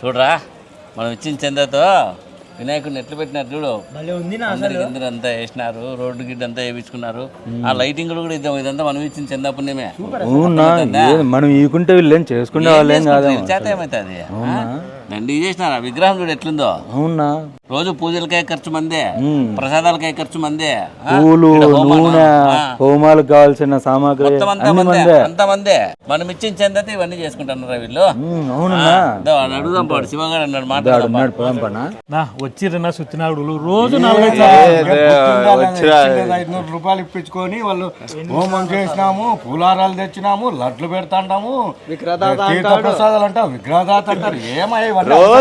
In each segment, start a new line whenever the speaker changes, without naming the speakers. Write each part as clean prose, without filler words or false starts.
చూడరా మనం ఇచ్చిన చందాతో వినాయకుడిని ఎట్లు పెట్టినారు చూడు, అంతా వేసినారు, రోడ్డు గిడ్డ అంతా వేయించుకున్నారు. ఆ లైటింగ్ కూడా ఇదంతా మనం ఇచ్చిన చందా పుణ్యమే.
మనం ఈకుంటే వీళ్ళేం చేసుకునే వాళ్ళేం కాదు.
చేత ఏమవుతుంది దండి చేసినారు. ఆ విగ్రహం చూడు ఎట్లుందో. అవునా, రోజు పూజలకే ఖర్చు మందే, ప్రసాదాలకే ఖర్చు మందే,
పూలు నూనె హోమాలకు కావాల్సిన సామాగ్రి
అంత మందే. మనం ఇచ్చిన చందత ఇవన్నీ చేసుకుంటున్నారు వీళ్ళు. అడుగుదాం పాడు శివగాడు అన్నాడు మాట్లాడు
వచ్చిరన్నా సుత్తినాడు రోజు 500 రూపాయలు ఇప్పించుకొని వాళ్ళు హోమం చేసినాము, పూలారాలు తెచ్చినాము, లడ్లు పెడతాము, తీర్థ ప్రసాదాలు అంటాం, విగ్రహదాత అంటారు. ఏమయ్య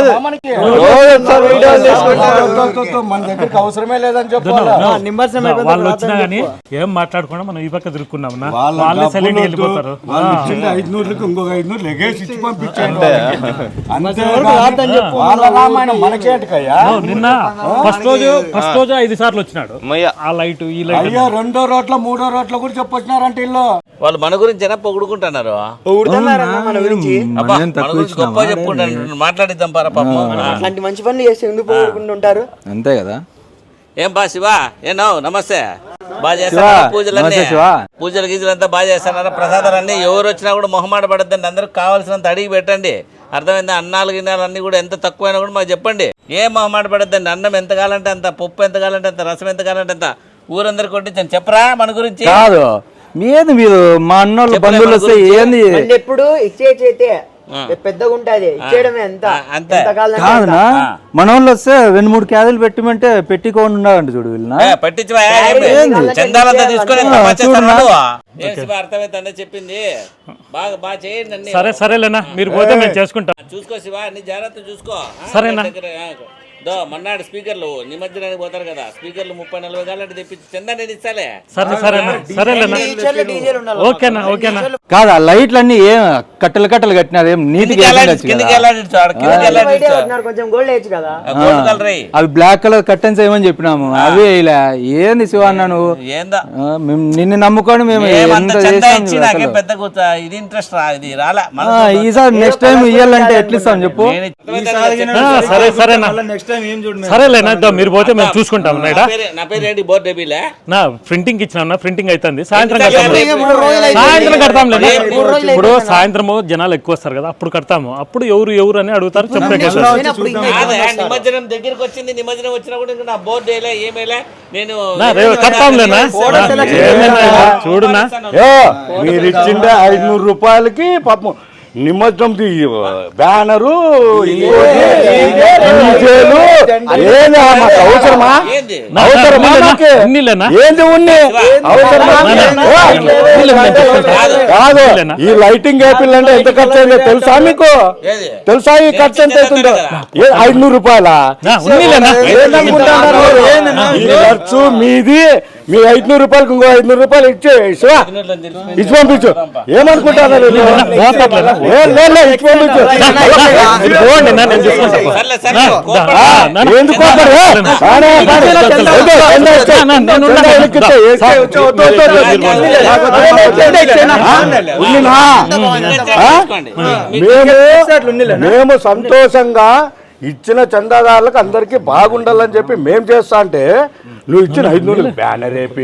మన దగ్గరికి అవసరమే లేదని చెప్పాలి. వాళ్ళు వచ్చినా గానీ ఏం మాట్లాడకుండా మనం ఈ పక్క తిరుక్కున్నాం. వాళ్ళే సైలెంట్ వెళ్ళిపోతారు.
500కి ఇంకొక 500 లెగేసి ఇచ్చి పంపించాను.
నిన్న ఫస్ట్ రోజు 5 సార్లు వచ్చినాడు. ఆ లైట్ ఈ లైట్
అయ్యా 2వ రోడ్ల 3వ రోడ్ల కూడా చెప్పొచ్చినారంటే ఇల్లు వాళ్ళు మన గురించి పొగుడుకుంటున్నారు. గొప్ప చెప్పుకుంటారు. మాట్లాడిద్దాం పారా పాపం.
అట్లాంటి మంచి పనులు చేస్తే ఎందుకు పోగొట్టుకుంటుంటారు?
అంతే కదా.
ఏం బా శివా, ఏనో నమస్తే. బాగా చేస్తారా పూజలు గీజలు అంతా బాగా చేస్తారా? ప్రసాదాలన్నీ ఎవరు వచ్చినా కూడా మొహమాట పడద్దండి. అందరికి కావాల్సినంత అడిగి పెట్టండి. అర్థమైందా? అన్నాలు గిన్నాలు అన్ని కూడా ఎంత తక్కువైనా కూడా మాకు చెప్పండి. ఏం మొహమాట పడద్దండి. అన్నం ఎంత కావాలంటే అంత, పప్పు ఎంత కావాలంటే అంత, రసం ఎంత కావాలంటే అంత ఊరందరికి కొట్టించండి. చెప్పరా మన గురించి?
కాదు మీది మీరు మా అన్నోళ్ళు బంధువులు వస్తే ఏంది
ఎప్పుడు ఇచ్చేయితే పెద్దగా ఉంటది ఇచ్చేయడమే అంత
కాదునా. మన వాళ్ళు వస్తే 2-3 క్యాజీలు పెట్టిమంటే పెట్టుకోని ఉన్నారంట చూడు వీళ్ళ
అర్థమైతే చెప్పింది. బాగా చేయండి.
సరేలేనా, మీరు పోతే మేము చేసుకుంటాం.
చూసుకో శివ, అన్ని జాగ్రత్త చూసుకో.
సరేనా.
మన్నాడు స్పీకర్లు నిమజ్జనానికి పోతారు కదా, స్పీకర్లు 30-40 కాలంటే తెప్పించి చందా నేను ఇస్తాలే.
ఓకేనా ఓకేనా.
కాదు ఆ లైట్లు అన్ని ఏం కట్టలు కట్టినారు, ఏం నీటికి అవి బ్లాక్ కలర్ కర్టెన్స్ ఏమని చెప్పినాము, అవి ఇలా ఏంది శివ అన్న నువ్వు? నిన్ను నమ్ముకొని మేము
పెద్ద ఇది ఇంట్రెస్ట్ ఇది రాలే.
ఈసారి నెక్స్ట్ టైం ఇయ్యాలంటే ఎట్లా ఇస్తాం చెప్పు.
సరేనా సరేలేనా, మీరు పోతే మేము చూసుకుంటాం.
నా పేరు ఏంటి? బోర్డు
నా ప్రింటింగ్ ఇచ్చినా, ప్రింటింగ్ అవుతుంది. సాయంత్రం కడతాం. ఇప్పుడు సాయంత్రము జనాలు ఎక్కువ వస్తారు కదా, అప్పుడు కడతాము. అప్పుడు ఎవరు అని అడుగుతారు.
నిమజ్జనం దగ్గరికి వచ్చింది. నిమజ్జనం వచ్చినా కూడా నా బోర్డు ఏమేలే నేను
కడతాంలేనా. చూడునా,
మీరు ఇచ్చిండే 500 రూపాయలకి పాపం నిమజ్జనం బ్యానరు అవసరమా? కాదు ఈ లైటింగ్ యాపిల్ అంటే ఎంత ఖర్చు అయిందో తెలుసా మీకు? తెలుసా ఈ ఖర్చు ఎంత అవుతుందో? 500 రూపాయలా ఖర్చు మీది? మీ 500 రూపాయలకు ఇంకో 500 రూపాయలు ఇచ్చి పంపించు. ఏమనుకుంటారు? మేము సంతోషంగా ఇచ్చిన చందాదారులకు అందరికి బాగుండాలని చెప్పి మేం చేస్తా అంటే నువ్వు ఇచ్చిన 500 బ్యానర్ వేపి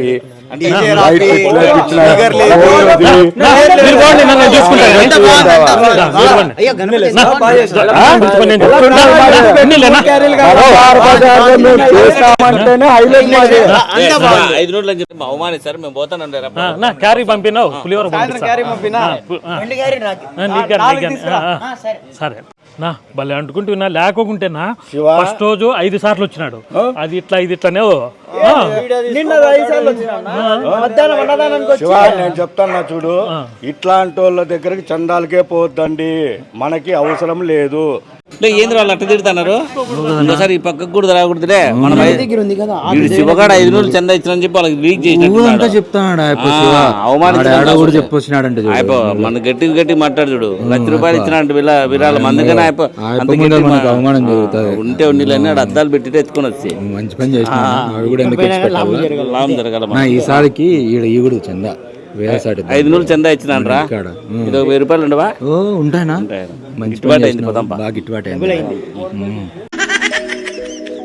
అవమానిస్తారు. మేము పోతాను.
క్యారీ పంపినావు, పులిహోర సరే నా భలే అంటుకుంటున్నా. లేకుంటేనా ఫస్ట్ రోజు 5 సార్లు వచ్చినాడు. అది ఇట్లా ఇది ఇట్లానే
నేను చెప్తాను చూడు, ఇట్లాంటి వాళ్ళ దగ్గరికి చందాలకే పోద్దండి, మనకి అవసరం లేదు.
ఏంది వాళ్ళు అట్ట తిడుతున్నారు? ఇంకోసారి ఈ పక్కకు కూడా రాకూడదులే. మనం శివగాడు 500 చందా ఇచ్చిన చెప్పి వాళ్ళకి లీక్ చేసినట్టు
చెప్తాడు.
మన గట్టి మాట్లాడు చూడు. 1,00,000 రూపాయలు ఇచ్చినట్టు విరాళం. అందుకని
అవమానం జరుగుతుంది.
ఉంటే ఉన్నీళ్ళని అద్దాలు పెట్టి ఎత్తుకొని వచ్చి
మంచి పని చేసిన లాభం జరగాల. ఈసారికి ఈగుడు చందా
500 చందా ఇచ్చినాను రా. ఇది 1000 రూపాయలు ఉండవా?
ఉంటానా?
ఉంటాయి.
మంచి
గిట్టుబాటు అయింది, పోదాం పా.
బాగా గిట్టుబాటు అయింది.